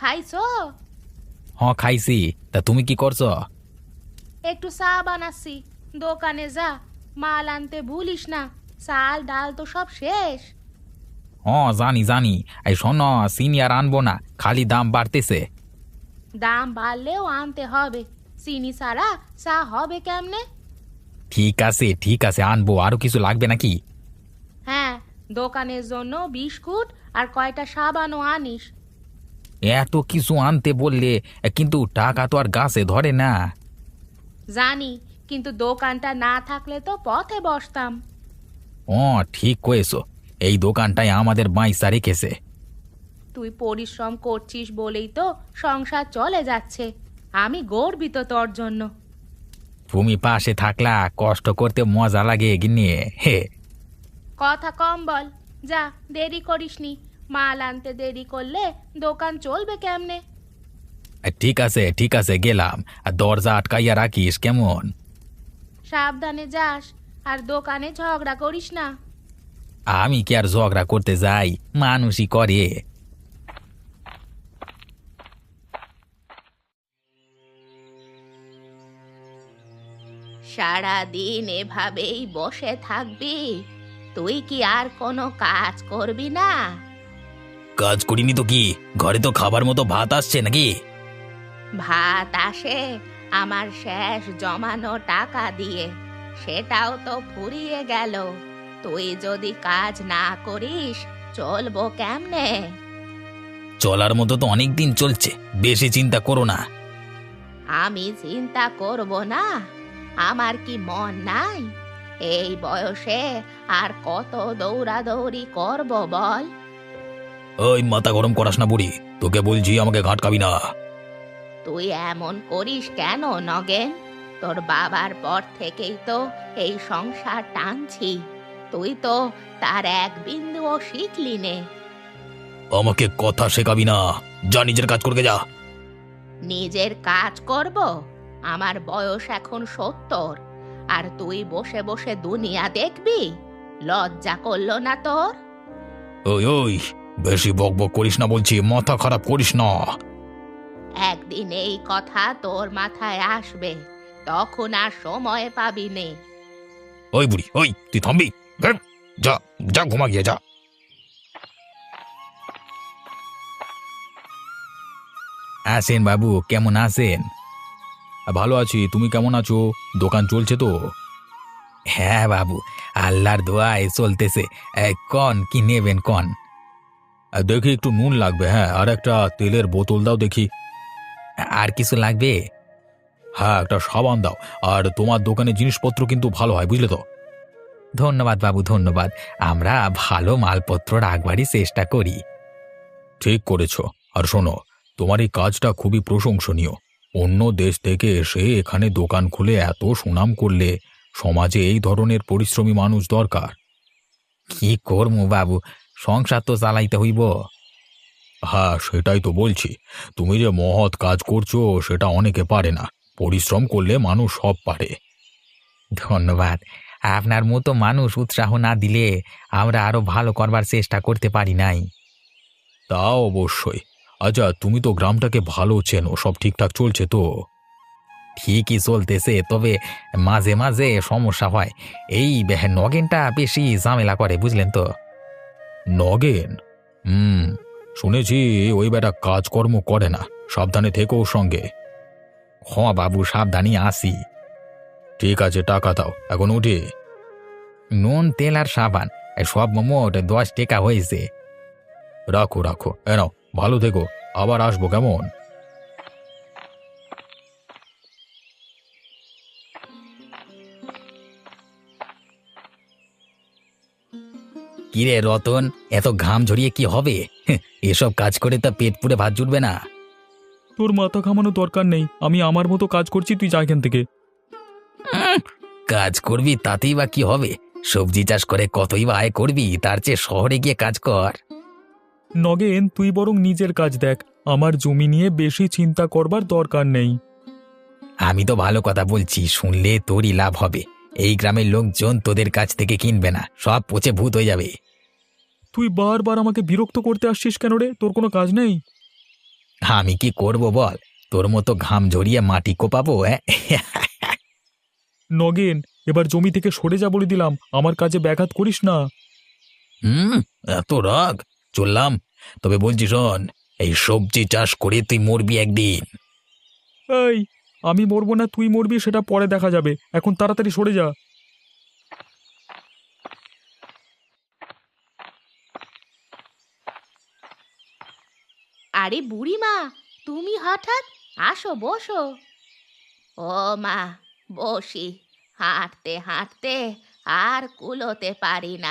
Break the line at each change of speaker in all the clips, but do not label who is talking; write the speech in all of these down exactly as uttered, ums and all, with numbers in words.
খাইছো?
হ্যাঁ খাইছি। তা তুমি কি করছো?
একটু চা বানাচ্ছি। দোকানে যা, মাল আনতে ভুলিস না। চাল ডাল তো সব শেষ।
হ্যাঁ জানি জানি। এই শোনো, সিনিয়র আনবো না, খালি দাম বাড়তেছে।
দাম বাড়লেও আনতে হবে। চিনি ছাড়া চা হবে কেমনে?
ঠিক আছে ঠিক আছে, আনবো। আরো কিছু লাগবে নাকি?
হ্যাঁ, দোকানের জন্য বিস্কুট আর কয়টা সাবানও আনিস।
এত কিছু আনতে বললে, কিন্তু টাকা তো আর গাছে ধরে না।
জানি, কিন্তু দোকানটা না থাকলে তো পথে বসতাম।
ও ঠিক কয়েছো, এই দোকানটাই আমাদের বাইসা রেখেছে।
তুই পরিশ্রম করছিস বলেই তো সংসার চলে যাচ্ছে। আমি গর্বিত তোর জন্য।
তুমি পাশে থাকলা, কষ্ট করতে মজা লাগে গিন্নি। হে,
কথা কম বল। যা, দেরি করিসনি। মাল আনতে দেরি করলে দোকান চলবে কেমনে?
ঠিক আছে ঠিক আছে, গেলাম। আর দরজা আটকাইয়া রাখিস কেমন?
সাবধানে যাস, আর দোকানে ঝগড়া করিস না।
আমি কি আর ঝগড়া করতে যাই, মানুষই করে।
সারাদিন এভাবেই বসে থাকবি? তুই কি আর কোনো কাজ করবি না?
কাজ করিনি তো কি, ঘরে তো খাবার মতো ভাত আসছে নাকি?
ভাত আসে আমার শেষ জমানো টাকা দিয়ে। সেটাও তো ফুরিয়ে গেল। তুই যদি কাজ না করিস চলবো কেমনে?
চলার মতো তো অনেক দিন চলছে, বেশি চিন্তা করো না।
আমি চিন্তা করব না? আমার কি মন নাই? এই বয়সে আর কত দৌড়াদৌড়ি করব বল?
ওই মাথা গরম করাস না বুড়ি, তোকে বলছি আমাকে ঘাটকাবি না।
তুই এমন করিস কেন নগেন? তোর বাবার পর থেকেই তো এই সংসার টানছি। তুই তো তার এক বিন্দুও শিখলি নে।
আমাকে কথা শেখাবি না, যা নিজের কাজ করকে যা।
নিজের কাজ করব? আমার বয়স এখন সত্তর, আর তুই বসে বসে দুনিয়া দেখবি? লজ্জা করলো না তোর?
ওই ওই, বেশি বকবক করিস না বলছি, মাথা খারাপ করিস না।
একদিন এই কথা তোর মাথায় আসবে, তখন আর সময় পাবি নে।
ওই বুড়ি, ওই তুই থামবি? ধ্যাৎ, যা যা ঘুমা গিয়ে যা। আসেন বাবু, কেমন আছেন? ভালো আছি, তুমি কেমন আছো? দোকান চলছে তো? হ্যাঁ বাবু, আল্লাহর দোয়ায় চলতেছে। এ, কন কি নেবেন কন? দেখি একটু নুন লাগবে, হ্যাঁ, আর একটা তেলের বোতল দাও দেখি। আর কিছু লাগবে? হ্যাঁ, একটা সাবান দাও। আর তোমার দোকানে জিনিসপত্র কিন্তু ভালো হয়, বুঝলে তো? ধন্যবাদ বাবু, ধন্যবাদ। আমরা ভালো মালপত্র রাখবারই চেষ্টা করি। ঠিক করেছো। আর শোনো, তোমার এই কাজটা খুবই প্রশংসনীয়। অন্য দেশ থেকে এসে এখানে দোকান খুলে এত সুনাম করলে, সমাজে এই ধরনের পরিশ্রমী মানুষ দরকার। কি করবো বাবু, সংসার তো চালাইতে হইব। হ্যাঁ সেটাই তো বলছি, তুমি যে মহৎ কাজ করছো সেটা অনেকে পারে না। পরিশ্রম করলে মানুষ সব পারে। ধন্যবাদ। আপনার মতো মানুষ উৎসাহ না দিলে আমরা আরো ভালো করবার চেষ্টা করতে পারি নাই। তা অবশ্যই। আচ্ছা, তুমি তো গ্রামটাকে ভালো চেনো, সব ঠিকঠাক চলছে তো? ঠিকই চলতেছে, তবে মাঝে মাঝে সমস্যা হয়। এই বে- নগেনটা বেশি ঝামেলা করে, বুঝলেন তো? নগেন? হুম, শুনেছি ওই বেটা কাজকর্ম করে না। সাবধানে থেকো ওর সঙ্গে। হ বাবু, সাবধানই আসি। ঠিক আছে, টাকা দাও, এখন উঠি। নুন তেল আর সাবান, এ সব মোট দশ টাকা হয়েছে। রাখো রাখো, এ নাও, ভালো থেকো, আবার আসবো কেমন? কিরে রতন, এত ঘাম ঝরিয়ে কি হবে? হেঁ, এসব কাজ করে তা পেট পুড়ে ভাত জুটবে না।
তোর মাথা ঘামানোর দরকার নেই, আমি আমার মতো কাজ করছি, তুই যা এখান থেকে।
উম, কাজ করবি তাতেই বা কি হবে? সবজি চাষ করে কতই বা আয় করবি, তার চেয়ে শহরে গিয়ে কাজ কর।
নগেন, তুই বরং নিজের কাজ দেখ, আমার জমি নিয়ে বেশি চিন্তা করবার দরকার নেই।
আমি তো ভালো কথা বলছি, শুনলে তোরই লাভ হবে। এই গ্রামের লোকজন তোদের কাছ থেকে কিনবে না, সব পচে ভূত হয়ে যাবে।
তুই বারবার আমাকে বিরক্ত করতে আসছিস কেন রে? তোর কোনো কাজ নেই?
আমি কি করব বল, তোর মতো ঘাম ঝরিয়ে মাটি কোপাবো? হ্যাঁ।
নগেন, এবার জমি থেকে সরে যা বলে দিলাম, আমার কাজে ব্যাঘাত করিস না।
হুম, এত রাগ? চললাম। তবে বলছি শোন, এই সবজি চাষ করে তুই মরবি একদিন।
এই, আমি মরবো না তুই মরবি সেটা পরে দেখা যাবে, এখন তাড়াতাড়ি সরে যা।
আরে বুড়িমা, তুমি হঠাৎ? আসো বসো। ও মা, বসি। হাঁটতে হাঁটতে আর কুলোতে পারি না।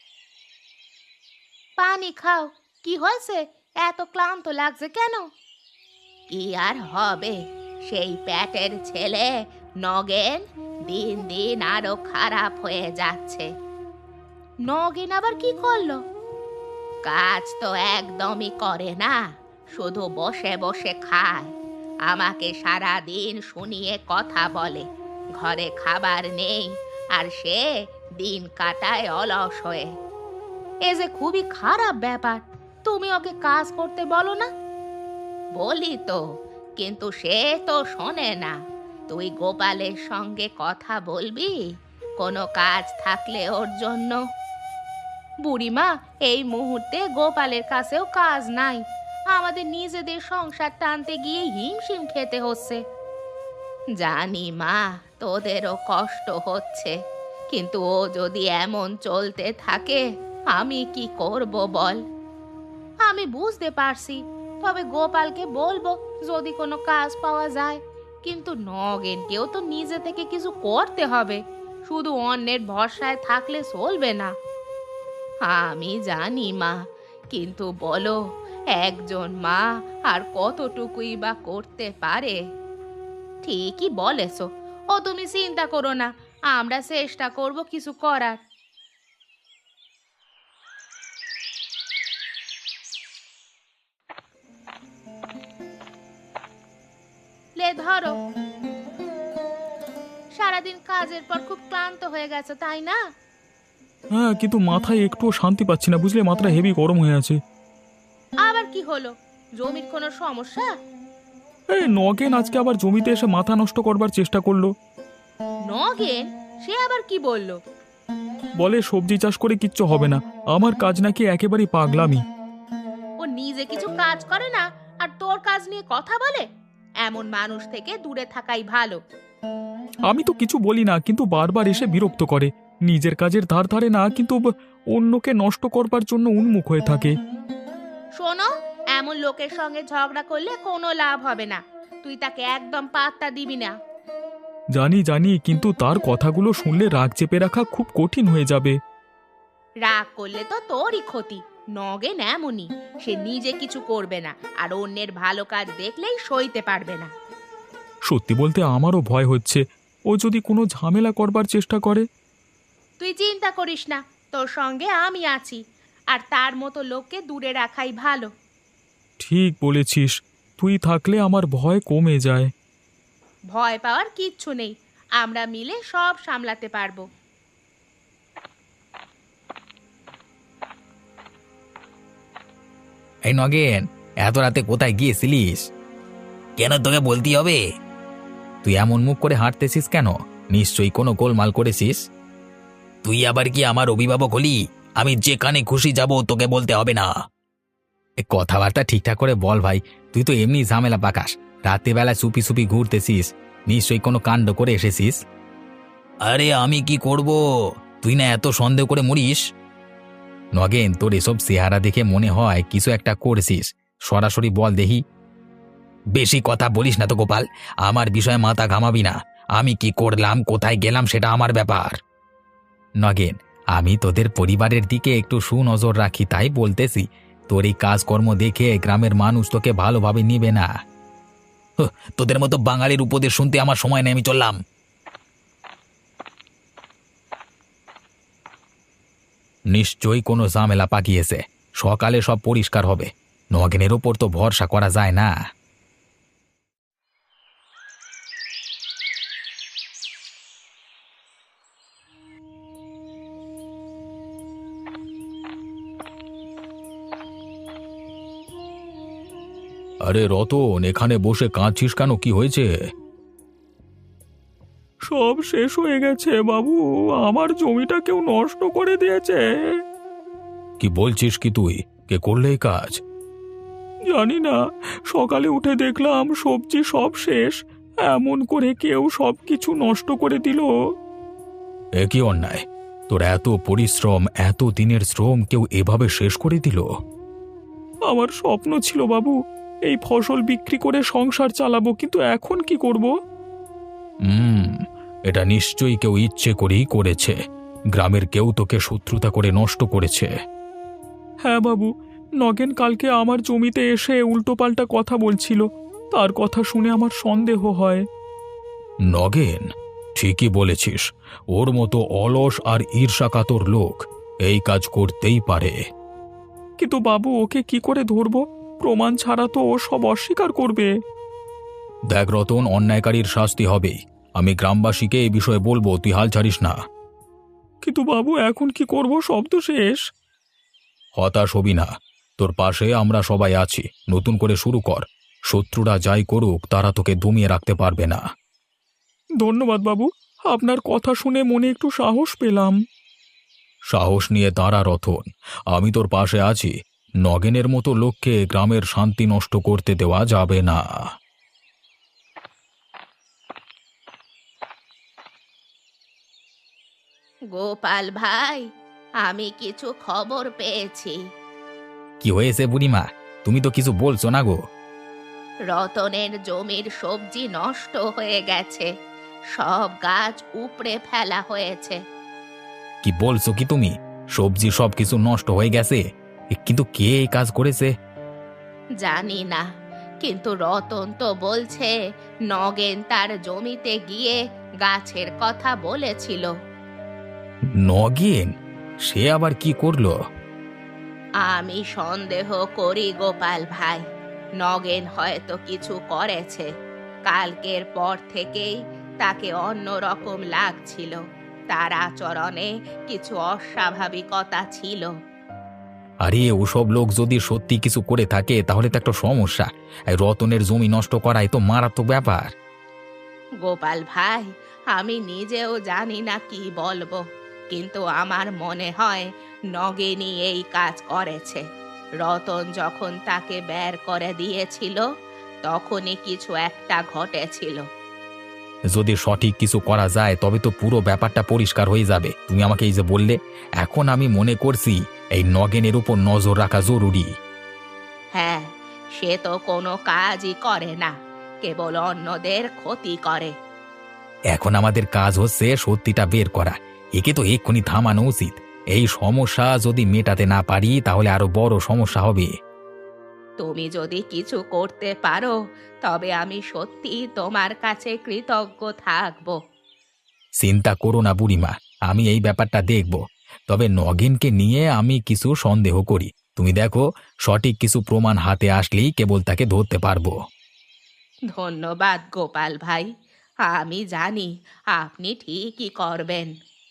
পানি খাও। কি হয়েছে? এত ক্লান্ত লাগছে কেন? কি আর হবে, সেই পেটের ছেলে নগেন দিন দিন আরো খারাপ হয়ে যাচ্ছে। নগেন আবার কি করলো? কাজ তো একদমই করে না, শুধু বসে বসে খায়। আমাকে সারা দিন শুনিয়ে কথা বলে, ঘরে খাবার নেই আর সে দিন কাটায় অলস হয়ে। এ যে খুবই খারাপ ব্যাপার। তুমি ওকে কাজ করতে বলো না। বলি তো, কিন্তু সে তো শোনে না। তুই গোপালের সঙ্গে কথা বলবি কোনো কাজ থাকলে ওর জন্য। বুড়িমা, এই মুহূর্তে গোপালের কাছেও কাজ নাই। আমাদের নিজেদের সংসার টানতে গিয়ে হিমশিম খেতে হচ্ছে। জানি মা, তোদেরও কষ্ট হচ্ছে, কিন্তু ও যদি এমন চলতে থাকে আমি কি করব বল? আমি বুঝতে পারছি, তবে গোপালকে বলবো যদি কোনো কাজ পাওয়া যায়। কিন্তু নগেনকেও তো নিজে থেকে কিছু করতে হবে, শুধু অন্যের ভরসায় থাকলে চলবে না। আমি জানি মা, কিন্তু বলো, একজন মা আর কতটুকুই বা করতে পারে? ঠিকই বলেছো। ও তুমি চিন্তা করো না, আমরা চেষ্টা করব কিছু করার। লে ধরো। সারাদিন কাজের পর খুব ক্লান্ত হয়ে গেছে, তাই না?
হ্যাঁ, কিন্তু মাথায় একটুও শান্তি পাচ্ছি না, বুঝলে, মাথাটা হেভি গরম হয়ে আছে।
আবার কি হলো? জমির কোনো সমস্যা?
এই নগেন আজকে আবার জমিতে এসে মাথা নষ্ট করবার চেষ্টা করলো।
নগেন? সে আবার কি বললো?
বলে সবজি চাষ করে কিচ্ছু হবে না, আমার কাজ নাকি একেবারেই পাগলামি।
ও নিজে কিছু কাজ করে না আর তোর কাজ নিয়ে কথা বলে? এমন মানুষ থেকে দূরে থাকাই ভালো।
আমি তো কিছু বলি না, কিন্তু বারবার এসে বিরক্ত করে। নিজের কাজের ধার ধারে না, কিন্তু ব- অন্যকে নষ্ট করবার জন্য উন্মুখ হয়ে থাকে।
শোনো, এমন লোকের সঙ্গে ঝগড়া করলে কোনো লাভ হবে না। তুই তাকে একদম পাত্তা দিবি না।
জানি জানি, কিন্তু তার কথাগুলো শুনলে রাগ চেপে রাখা খুব কঠিন হয়ে যাবে।
রাগ করলে তো তোরই ক্ষতি। নগেন এমনই, সে নিজে কিছু করবে না আর অন্যের ভালো কাজ দেখলেই সইতে পারবে না।
সত্যি বলতে আমারও ভয় হচ্ছে, ও যদি কোনো ঝামেলা করবার চেষ্টা করে।
তুই চিন্তা করিস না, তোর সঙ্গে আমি আছি। আর তার মতো লোককে দূরে রাখাই ভালো।
ঠিক বলেছিস, তুই থাকলে আমার ভয় কমে যায়।
ভয় পাওয়ার কিচ্ছু নেই, আমরা মিলে সব সামলাতে পারবো।
এই নগেন, এত রাতে কোথায় গিয়েছিলিস? কেন তোকে বলতেই হবে? তুই এমন মুখ করে হাঁটতেছিস কেন? নিশ্চয়ই কোনো গোলমাল করেছিস। তুই আবার কি আমার অভিভাবক হলি? আমি যেখানে খুশি যাব তোকে বলতে হবে না। এ কথাবার্তা ঠিকঠাক করে বল ভাই, তুই তো এমনি ঝামেলা পাকাস। রাত্রিবেলা চুপি চুপি ঘুরতেছিস, নিশ্চয়ই কোনো কাণ্ড করে এসেছিস। আরে আমি কি করব? তুই না এত সন্দেহ করে মরিস। নগেন, তোর এসব চেহারা দেখে মনে হয় কিছু একটা করছিস। সরাসরি বল দেখি। বেশি কথা বলিস না তো গোপাল, আমার বিষয়ে মাথা ঘামাবি না। আমি কি করলাম, কোথায় গেলাম, সেটা আমার ব্যাপার। নগেন, আমি তোদের পরিবারের দিকে একটু সুনজর রাখি, তাই বলতেছি। তোর এই কাজকর্ম দেখে গ্রামের মানুষ তোকে ভালোভাবে নিবে না। হুঁ, তোদের মতো বাঙালির উপদেশ শুনতে আমার সময় নেই, আমি চললাম। নিশ্চয়ই কোনো ঝামেলা পাকিয়েছে। সকালে সব পরিষ্কার হবে। নগেনের ওপর তো ভরসা করা যায় না। আরে রতন, এখানে বসে কাঁদছিস কেন? কি হয়েছে?
সব শেষ হয়ে গেছে বাবু, আমার জমিটা কেউ নষ্ট করে দিয়েছে।
কি বলছিস কি তুই? কে করলে এই কাজ?
জানি না, সকালে উঠে দেখলাম সবজি সব শেষ। এমন করে কেউ সব কিছু নষ্ট করে দিল।
এ কি অন্যায়! তোর এত পরিশ্রম, এত দিনের শ্রম কেউ এভাবে শেষ করে দিল?
আমার স্বপ্ন ছিল বাবু, এই ফসল বিক্রি করে সংসার চালাবো, কিন্তু এখন কি করব?
হুম, এটা নিশ্চয়ই কেউ ইচ্ছে করেই করেছে। গ্রামের কেউ তোকে শত্রুতা করে নষ্ট করেছে।
হ্যাঁ বাবু, নগেন কালকে আমার জমিতে এসে উল্টোপাল্টা কথা বলছিল। তার কথা শুনে আমার সন্দেহ হয়।
নগেন? ঠিকই বলেছিস, ওর মতো অলস আর ঈর্ষাকাতর লোক এই কাজ করতেই পারে।
কিন্তু বাবু, ওকে কি করে ধরবো? প্রমাণ ছাড়া তো ও সব অস্বীকার করবে।
দেখ রতন, অন্যায়কারীর শাস্তি হবেই। আমি গ্রামবাসীকে এই বিষয়ে বলবো, তুই হাল ছাড়িস না।
কিন্তু বাবু, এখন কি করব? সব তো শেষ।
হতাশ হবি না, তোর পাশে আমরা সবাই আছি। নতুন করে শুরু কর। শত্রুরা যাই করুক, তারা তোকে দমিয়ে রাখতে পারবে না।
ধন্যবাদ বাবু, আপনার কথা শুনে মনে একটু সাহস পেলাম।
সাহস নিয়ে দাঁড়া রতন, আমি তোর পাশে আছি। নগেনের মতো লোককে গ্রামের শান্তি নষ্ট করতে দেওয়া যাবে না।
গোপাল ভাই, আমি কিছু খবর পেয়েছি।
কি হয়েছে বুড়িমা? তুমি তো কিছু বলছো না গো।
রতনের জমির সবজি নষ্ট হয়ে গেছে, সব গাছ উপড়ে ফেলা হয়েছে।
কি বলছো কি তুমি? সবজি সব কিছু নষ্ট হয়ে গেছে? এ, কিন্তু কে এই কাজ করেছে?
জানি না, কিন্তু রতন তো বলছে নগেন তার জমিতে গিয়ে গাছের কথা বলেছিল।
নগেন? সে আবার কি করলো?
আমি সন্দেহ করি গোপাল ভাই, নগেন হয়তো কিছু করেছে। কালকের পর থেকেই তাকে অন্যরকম লাগছিল, তার আচরণে কিছু অস্বাভাবিকতা ছিল।
আরে, ওসব লোক যদি সত্যি কিছু করে থাকে তাহলে তো একটা সমস্যা। এই রতনের জমি নষ্ট করাই তো মারাত্মক ব্যাপার।
গোপাল ভাই, আমি নিজেও জানি না কি বলবো, কিন্তু আমার মনে হয় নগেনই এই কাজ করেছে। রতন যখন তাকে বের করে দিয়েছিল, তখনই কিছু একটা ঘটেছিল।
যদি সঠিক কিছু করা যায় তবে তো পুরো ব্যাপারটা পরিষ্কার হয়ে যাবে। তুমি আমাকে এই যে বললে, এখন আমি মনে করছি এই নগেনের উপর নজর রাখা জরুরি।
হ্যাঁ, সে তো কোনো কাজই করে না, কেবল অন্যদের ক্ষতি করে।
এখন আমাদের কাজ হচ্ছে সত্যিটা বের করা। একে তো এক্ষুনি থামানো উচিত। এই সমস্যা যদি মেটাতে না পারি তাহলে আরো বড় সমস্যা হবে।
তুমি যদি কিছু করতে পারো, তবে আমি সত্যি তোমার কাছে কৃতজ্ঞ থাকব।
চিন্তা করো না বুড়িমা, আমি এই ব্যাপারটা দেখব। তবে নগেনকে নিয়ে আমি কিছু সন্দেহ করি। তুমি দেখো, সঠিক কিছু প্রমাণ হাতে আসলেই কেবল তাকে ধরতে পারবো।
ধন্যবাদ গোপাল ভাই, আমি জানি আপনি ঠিকই করবেন।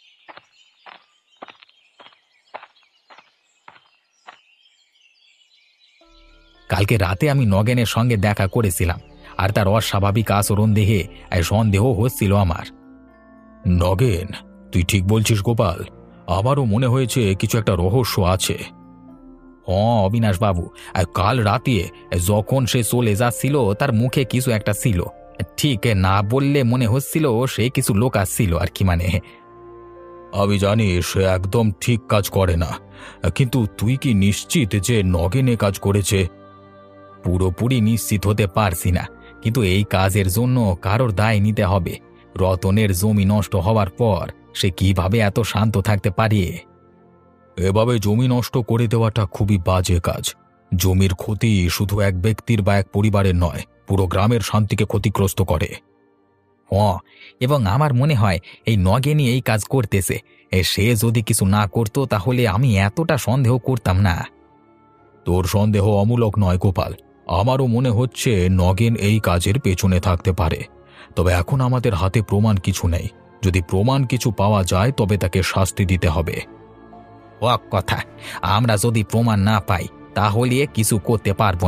কালকে রাতে আমি নগেনের সঙ্গে দেখা করেছিলাম, আর তার অস্বাভাবিক আচরণ দেখে এই সন্দেহ হচ্ছিল আমার। নগেন, তুই ঠিক বলছিস গোপাল, আমারও মনে হয়েছে কিছু একটা রহস্য আছে। হ্যাঁ অবিনাশ বাবু, কাল রাতে যখন সে চলে যাচ্ছিল তার মুখে কিছু একটা ছিল। ঠিক না বললে মনে হচ্ছিল সে কিছু লোক আসছিল আর কি। মানে আমি জানি সে একদম ঠিক কাজ করে না, কিন্তু তুই কি নিশ্চিত যে নগেন এ কাজ করেছে? পুরোপুরি নিশ্চিত হতে পারছি না, কিন্তু এই কাজের জন্য কারোর দায় নিতে হবে। রতনের জমি নষ্ট হওয়ার পর সে কিভাবে এত শান্ত থাকতে পারে? এভাবে জমি নষ্ট করে দেওয়াটা খুবই বাজে কাজ। জমির ক্ষতি শুধু এক ব্যক্তির বা এক পরিবারের নয়, পুরো গ্রামের শান্তিকে ক্ষতিগ্রস্ত করে। হ্যাঁ, এবং আমার মনে হয় এই নগেনই এই কাজ করতেছে। এ সে যদি কিছু না করতো তাহলে আমি এতটা সন্দেহ করতাম না। তোর সন্দেহ অমূলক নয় গোপাল, আমারও মনে হচ্ছে নগেন এই কাজের পেছনে থাকতে পারে। তবে এখন আমাদের হাতে প্রমাণ কিছু নেই। যদি প্রমাণ কিছু পাওয়া যায় তবে তাকে শাস্তি দিতে হবে। ও কথা, আমরা যদি প্রমাণ না পাই তাহলে কিছু করতে পারবো না।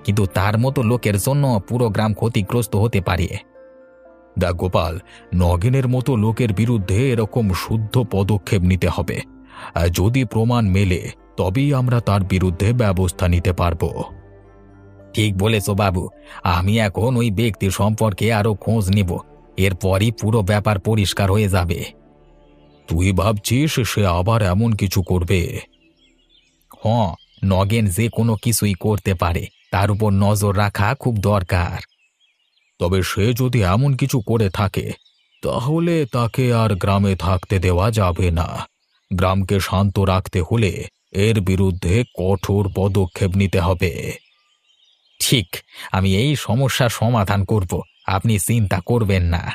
কিন্তু তার মতো লোকের জন্য পুরো গ্রাম ক্ষতিগ্রস্ত হতে পারে। দেখ গোপাল, নগেনের মতো লোকের বিরুদ্ধে এরকম শুদ্ধ পদক্ষেপ নিতে হবে। আর যদি প্রমাণ মেলে তবেই আমরা তার বিরুদ্ধে ব্যবস্থা নিতে পারবো। ঠিক বলেছ বাবু, আমি এখন ওই ব্যক্তি সম্পর্কে আরো খোঁজ নেব, এরপরই পুরো ব্যাপার পরিষ্কার হয়ে যাবে। তুই ভাবছিস সে আবার এমন কিছু করবে? হ্যাঁ, নগেন যে কোনো কিছুই করতে পারে, তার উপর নজর রাখা খুব দরকার। তবে সে যদি এমন কিছু করে থাকে তাহলে তাকে আর গ্রামে থাকতে দেওয়া যাবে না। গ্রামকে শান্ত রাখতে হলে এর বিরুদ্ধে কঠোর পদক্ষেপ নিতে হবে। ঠিক, আমি এই সমস্যার সমাধান করব, আপনি চিন্তা করবেন না।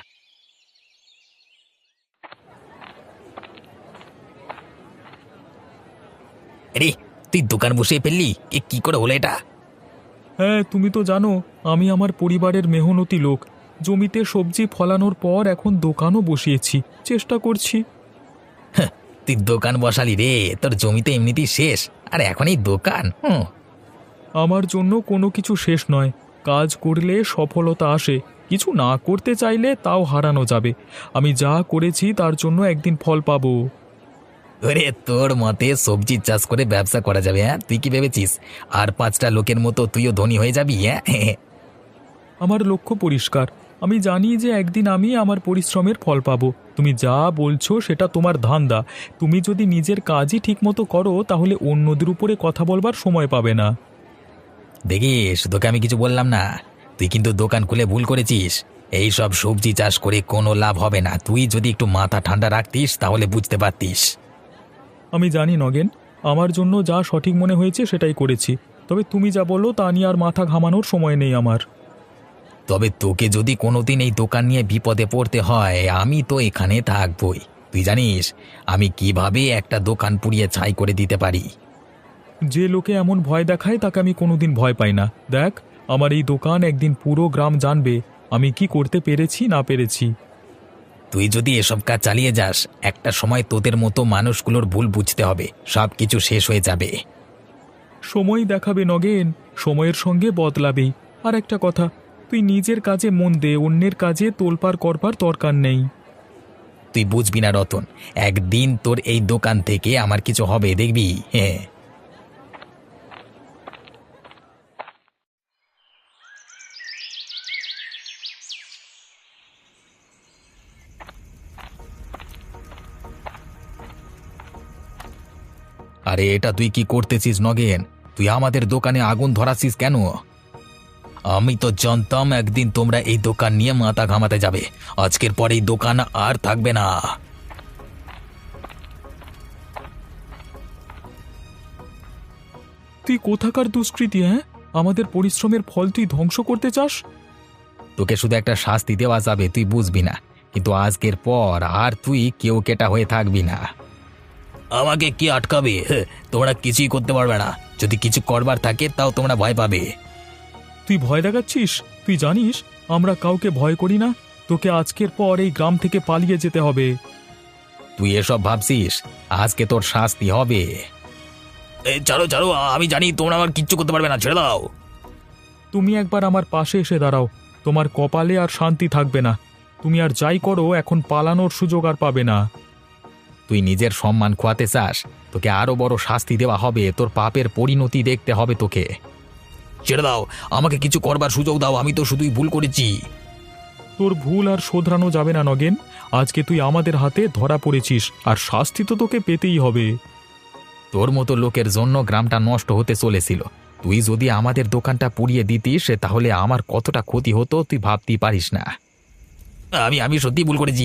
আরে, তুই দোকান বসে ফেললি, এ কি করে হলো এটা?
হ্যাঁ, তুমি তো জানো আমি আমার পরিবারের মেহনতি লোক। জমিতে সবজি ফলানোর পর এখন দোকানও বসিয়েছি, চেষ্টা করছি।
তুই দোকান বসালি রে, তোর জমিতে এমনিতেই শেষ, আর এখন এই দোকান। হুম
আমার জন্য কোনো কিছু শেষ নয়, কাজ করলে সফলতা আসে, কিছু না করতে চাইলে তাও হারানো যাবে। আমি যা করেছি তার জন্য একদিন ফল পাবো।
ওরে, তোর মতে সবজি চাষ করে ব্যবসা করা যাবে? হ্যাঁ, তুই কি ভেবেছিস আর পাঁচটা লোকের মতো তুইও ধনী হয়ে যাবি? হ্যাঁ,
আমার লক্ষ্য পরিষ্কার, আমি জানি যে একদিন আমি আমার পরিশ্রমের ফল পাবো। তুমি যা বলছো সেটা তোমার ধান্দা। তুমি যদি নিজের কাজই ঠিকমতো করো তাহলে অন্যদের উপরে কথা বলবার সময় পাবে না।
দেখিস, তোকে আমি কিছু বললাম না, তুই কিন্তু দোকান খুলে ভুল করেছিস। এই সব সবজি চাষ করে কোনো লাভ হবে না। তুই যদি একটু মাথা ঠান্ডা রাখতিস তাহলে বুঝতে পারতিস।
আমি জানি নগেন, আমার জন্য যা সঠিক মনে হয়েছে সেটাই করেছি, তবে তুমি যা বলো তা নিয়ে আর মাথা ঘামানোর সময় নেই আমার।
তবে তোকে যদি কোনোদিন এই দোকান নিয়ে বিপদে পড়তে হয়, আমি তো এখানে থাকবই। তুই জানিস আমি কিভাবে একটা দোকান পুড়িয়ে ছাই করে দিতে পারি।
যে লোকে এমন ভয় দেখায় তাকে আমি কোনোদিন ভয় পাই না। দেখ, আমার এই দোকান একদিন পুরো গ্রাম জানবে আমি কি করতে পেরেছি না পেরেছি।
তুই যদি এসব কাজ চালিয়ে যাস, একটা সময় তোদের মতো মানুষগুলোর ভুল বুঝতে হবে, সব কিছু শেষ হয়ে যাবে।
সময় দেখাবে নগেন, সময়ের সঙ্গে বদলাবেই। আর একটা কথা, তুই নিজের কাজে মন দে, অন্যের কাজে তোলপাড় করবার দরকার নেই।
তুই বুঝবি না রতন, একদিন তোর এই দোকান থেকে আমার কিছু হবে, দেখবি। হ্যাঁ, আরে এটা তুই কি করতেছিস নগেন? তুই আমাদের দোকানে আগুন ধরাচ্ছিস কেন? আমি তো জানতাম একদিন তোমরা এই দোকান নিয়ে মাথা ঘামাতে যাবে। আজকের পর এই দোকান আর থাকবে না।
তুই কোথাকার দুষ্কৃতী? হ্যাঁ, আমাদের পরিশ্রমের ফল তুই ধ্বংস করতে চাস?
তোকে শুধু একটা শাস্তি দেওয়া যাবে, তুই বুঝবি না, কিন্তু আজকের পর আর তুই কেউ কেটা হয়ে থাকবি না। আমাকে কি আটকাবে? তোমরা কিছুই করতে পারবে না। যদি কিছু করবার থাকে তাও তোমরা ভয় পাবে।
তুই ভয় দেখাচ্ছিস? তুই জানিস আমরা কাউকে ভয় করি না। তোকে আজকের পর এই গ্রাম থেকে পালিয়ে যেতে হবে।
তুই এসব ভাবছিস? আজকে তোর শাস্তি হবে। ছাড়ো ছাড়ো, আমি জানি তোমরা আমার কিচ্ছু করতে পারবে না, ছেড়ে দাও।
তুমি একবার আমার পাশে এসে দাঁড়াও, তোমার কপালে আর শান্তি থাকবে না। তুমি আর যাই করো, এখন পালানোর সুযোগ আর পাবে না।
তুই নিজের সম্মান খোয়াতে চাস? তোকে আরো বড় শাস্তি দেওয়া হবে, তোর পাপের পরিণতি দেখতে হবে তোকে। ছেড়ে দাও, আমাকে কিছু করবার সুযোগ দাও, আমি তো শুধুই ভুল করেছি।
তোর ভুল আর শোধরানো যাবে না নগেন। আজকে তুই আমাদের হাতে ধরা পড়েছিস, আর শাস্তি তো তোকে পেতেই হবে।
তোর মতো লোকের জন্য গ্রামটা নষ্ট হতে চলেছিল। তুই যদি আমাদের দোকানটা পুড়িয়ে দিতিস তাহলে আমার কতটা ক্ষতি হতো তুই ভাবতেই পারিস না। আমি আমি সত্যি ভুল করেছি।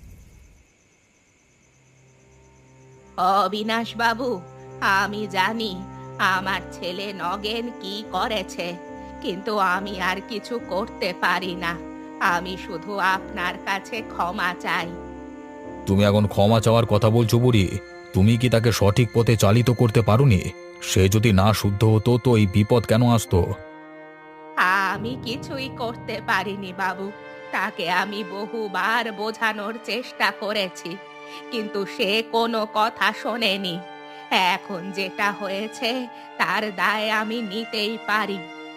অবিনাশ বাবু, আমি জানি আমার ছেলে নগেন কি করেছে, কিন্তু আমি আর কিছু করতে পারি না। আমি শুধু আপনার কাছে ক্ষমা চাই।
তুমি এখন ক্ষমা চাওয়ার কথা বলছো বুড়ি? তুমি কি তাকে সঠিক পথে চালিত করতে পারোনি? সে যদি না শুদ্ধ হতো তো এই বিপদ কেন আসতো?
আমি কিছুই করতে পারিনি বাবু। তাকে আমি বহুবার বোঝানোর চেষ্টা করেছি, কিন্তু সে কোনো কথা শোনেনি। এখন যেটা হয়েছে তার দায় আমি নিতেই পারি।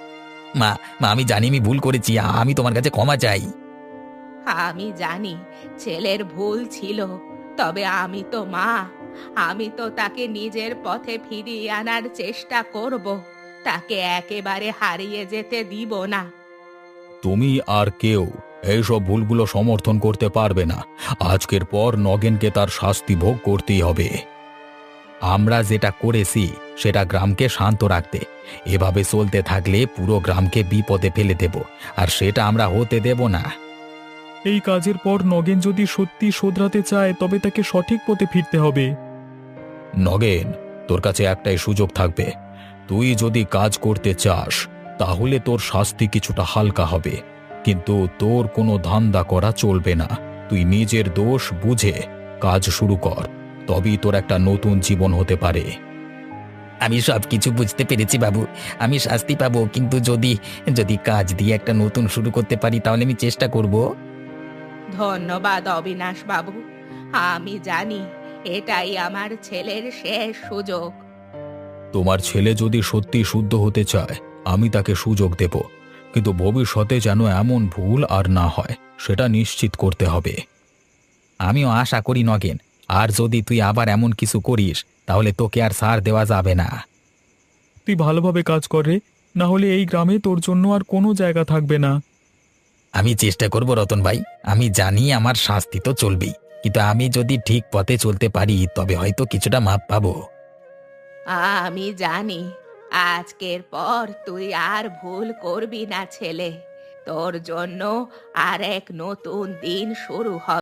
মা মা আমি জানি আমি ভুল করেছি, আমি তোমার কাছে ক্ষমা চাই।
আমি জানি ছেলের ভুল ছিল, তবে আমি তো মা, আমি তো তাকে নিজের পথে ফিরিয়ে আনার চেষ্টা করব, তাকে একেবারে হারিয়ে যেতে দিব না।
তুমি আর কেউ এইসব ভুলগুলো সমর্থন করতে পারবে না। আজকের পর নগেনকে তার শাস্তি ভোগ করতেই হবে। আমরা যেটা করেছি সেটা গ্রামকে শান্ত রাখতে, এভাবে চলতে থাকলে পুরো গ্রামকে বিপদে ফেলে দেব, আর সেটা আমরা হতে দেব না।
এই কাজের পর নগেন যদি সত্যি শোধরাতে চায় তবে তাকে সঠিক পথে ফিরতে হবে।
নগেন, তোর কাছে একটাই সুযোগ থাকবে। তুই যদি কাজ করতে চাস তাহলে তোর শাস্তি কিছুটা হালকা হবে, কিন্তু তোর কোনো ধান্দা করা চলবে না। তুই নিজের দোষ বুঝে কাজ শুরু কর, তবেই তোর একটা নতুন জীবন হতে পারে। আমি সব কিছু বুঝতে পেরেছি বাবু, আমি শাস্তি পাবো, কিন্তু যদি যদি কাজ দিয়ে একটা নতুন শুরু করতে পারি তাহলে আমি চেষ্টা করব।
ধন্যবাদ অবিনাশ বাবু, আমি জানি এটাই আমার ছেলের শেষ সুযোগ।
তোমার ছেলে যদি সত্যি শুদ্ধ হতে চায় আমি তাকে সুযোগ দেব, কিন্তু ভবিষ্যতে যেন এমন ভুল আর না হয় সেটা নিশ্চিত করতে হবে। আমিও আশা করি নগেন, আর যদি তুই আবার এমন কিছু করিস তাহলে তোকে আর ছাড় দেওয়া যাবে না।
তুই ভালোভাবে কাজ কর রে, না হলে এই গ্রামে তোর জন্য আর কোনো জায়গা থাকবে না।
আমি চেষ্টা করব রতন ভাই, আমি জানি আমার শাস্তি তো চলবেই, কিন্তু আমি যদি ঠিক পথে চলতে পারি তবে হয়তো কিছুটা মাপ পাবো।
আমি জানি আজকের পর তুই আর ভুল করবি না ছেলে, তোর জন্য আর এক নতুন দিন শুরু হবে।